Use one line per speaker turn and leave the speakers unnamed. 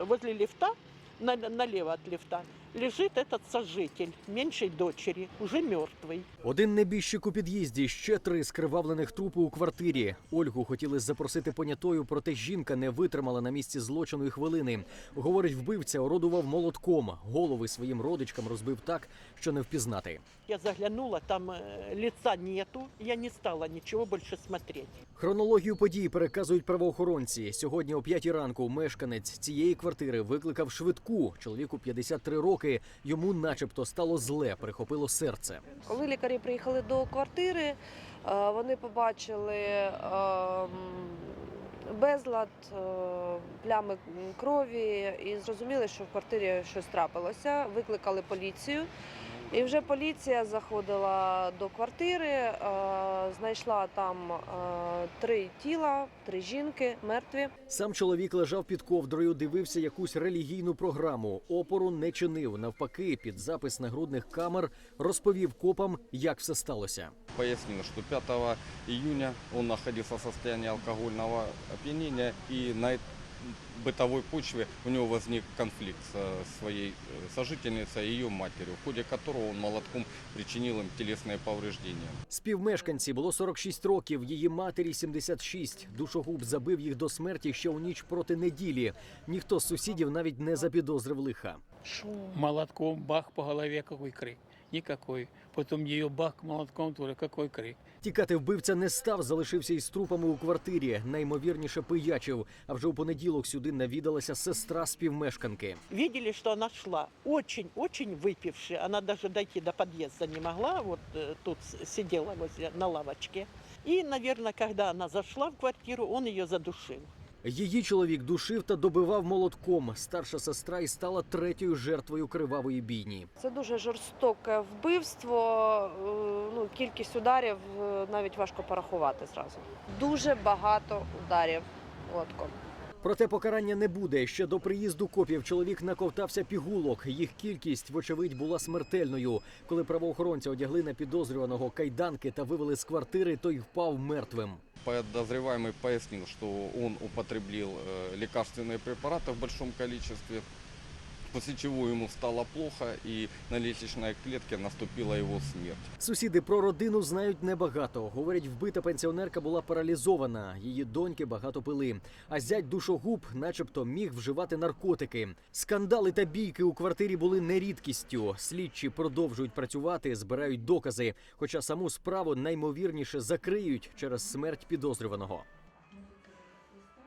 Возле лифта, налево от лифта, лежит этот сожитель меньшей дочери, уже мертвый.
Один небіжчик у під'їзді, ще 3 скривавлених трупи у квартирі. Ольгу хотіли запросити понятою, проте жінка не витримала на місці злочину і хвилини. Говорить, вбивця орудував молотком. Голови своїм родичкам розбив так, що не впізнати.
Я заглянула, там лица нету, я не стала ничего больше смотреть.
Хронологію подій переказують правоохоронці. Сьогодні о 5 ранку мешканець цієї квартири викликав швидку. Чоловіку 53 роки, йому начебто стало зле, прихопило серце.
Коли лікарі приїхали до квартири, вони побачили безлад, плями крові і зрозуміли, що в квартирі щось трапилося. Викликали поліцію. І вже поліція заходила до квартири, знайшла там 3 тіла, 3 жінки, мертві.
Сам чоловік лежав під ковдрою, дивився якусь релігійну програму. Опору не чинив. Навпаки, під запис нагрудних камер розповів копам, як все сталося.
Пояснил, что 5 июня он находился в состоянии алкогольного опьянения, и на бытовой почве у него возник конфликт со своей сожительницей и ее матерью, в ходе которого он молотком причинил им телесные повреждения.
Співмешканці було 46 років, її матері 76. Душогуб забив їх до смерті ще у ніч проти неділі. Ніхто з сусідів навіть не запідозрив лиха.
Молотком бах по голове, какой крик. Никакой. Потом ее бах молотком тоже, какой крик.
Тікати вбивця не став, залишився із трупами у квартирі. Найімовірніше пиячив. А вже у понеділок сюди навідалася сестра співмешканки.
Видели, что она шла очень-очень выпившая. Она даже дойти до подъезда не могла, вот тут сидела на лавочке. И, наверное, когда она зашла в квартиру, он ее задушил.
Її чоловік душив та добивав молотком. Старша сестра і стала 3-ю жертвою кривавої бійні.
Це дуже жорстоке вбивство, кількість ударів навіть важко порахувати зразу. Дуже багато ударів молотком.
Проте покарання не буде. Ще до приїзду копів чоловік наковтався пігулок. Їх кількість, вочевидь, була смертельною. Коли правоохоронці одягли на підозрюваного кайданки та вивели з квартири, той впав мертвим.
Подозреваемый пояснил, что он употребил лекарственные препараты в большом количестве, после чего ему стало плохо и на лестничной клетке наступила его смерть.
Сусіди про родину знають небагато. Говорять, вбита пенсіонерка була паралізована, її доньки багато пили. А зять душогуб начебто міг вживати наркотики. Скандали та бійки у квартирі були не рідкістю. Слідчі продовжують працювати, збирають докази. Хоча саму справу наймовірніше закриють через смерть підозрюваного.